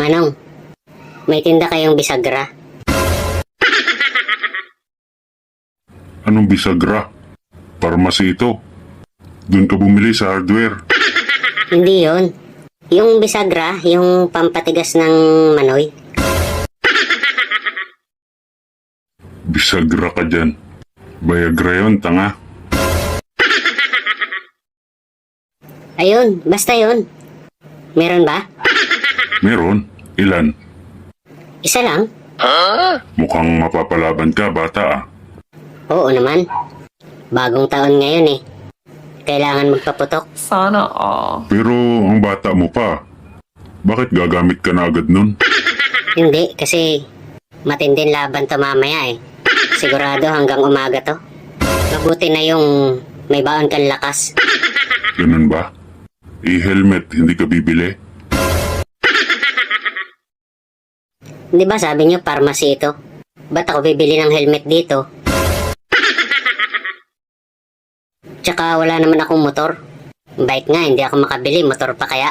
Manong, may tinda kayong bisagra? Anong bisagra? Pharmacy ito. Doon ka bumili sa hardware. Hindi yon. Yung bisagra, yung pampatigas ng manoy. Bisagra ka dyan. Viagra yun, tanga. Ayun, basta yun. Meron ba? Meron. Ilan? Isa lang? Mukhang mapapalaban ka, bata ah. Oo naman. Bagong taon ngayon eh. Kailangan magpaputok. Sana all. Pero ang bata mo pa. Bakit gagamit ka na agad nun? Hindi, kasi matinding laban to mamaya eh. Sigurado hanggang umaga to. Mabuti na yung may baon kang lakas. Ganun ba? I-helmet, hindi ka bibili? Di ba sabi niyo pharmacy ito? Ba't ako bibili ng helmet dito? Tsaka wala naman akong motor. Bike nga, hindi ako makabili. Motor pa kaya?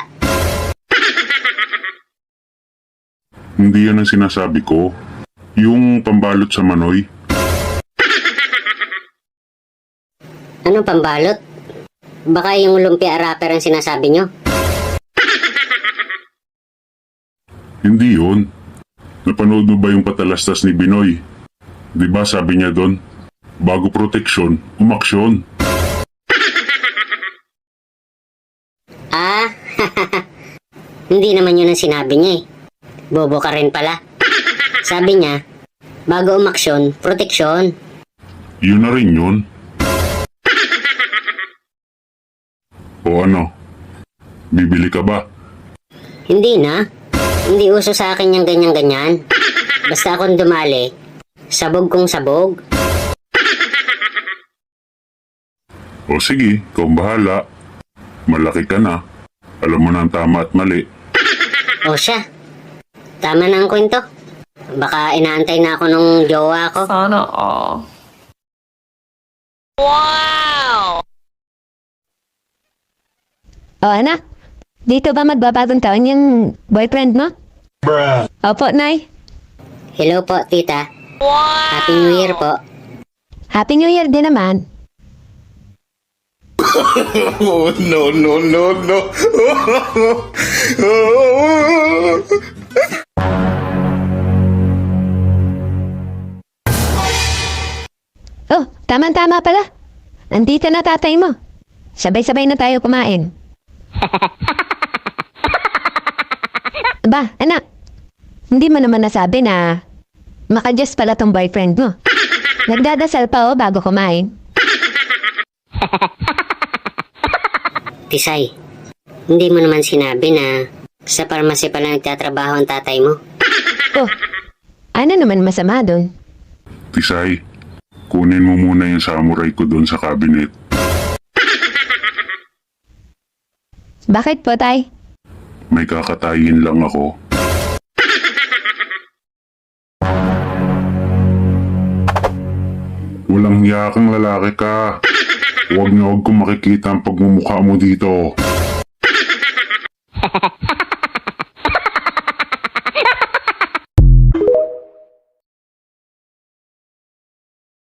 Hindi yan ang sinasabi ko. Yung pambalot sa manoy. Anong pambalot? Baka yung lumpia wrapper ang sinasabi niyo? Hindi yun. Napanood mo ba yung patalastas ni Binoy? Di ba sabi niya doon, bago proteksyon, umaksyon. Ah, hindi naman yun ang sinabi niya eh. Bobo ka rin pala. Sabi niya, bago umaksyon, proteksyon. Yun na rin yun. O ano? Bibili ka ba? Hindi na. Hindi uso sa akin yung ganyan-ganyan. Basta akong dumali, sabog kong sabog. O sige, ikaw ang bahala. Malaki ka na. Alam mo na ang tama at mali. O siya, tama na ang kwento. Baka inaantay na ako nung jowa ko. Sana all. O anak, dito ba magbabagong taon yung boyfriend mo? Opo, Nay. Hello po, tita. Happy New Year po. Happy New Year din naman. Oh, no, no, no, no. Oh, tama-tama pala. Nandito na tatay mo. Sabay-sabay na tayo kumain. Ba, anak. Hindi mo naman nasabi na makadyos pala tong boyfriend mo. Nagdadasal pa bago kumain. Tisay, hindi mo naman sinabi na sa pharmacy pala nagtatrabaho ang tatay mo. Oh, ano naman masama doon? Tisay, kunin mo muna yung samurai ko doon sa cabinet. Bakit po, tay? May kakatayin lang ako. Walang hiya kang lalaki ka. Huwag na huwag kong makikita ang pagmumukha mo dito.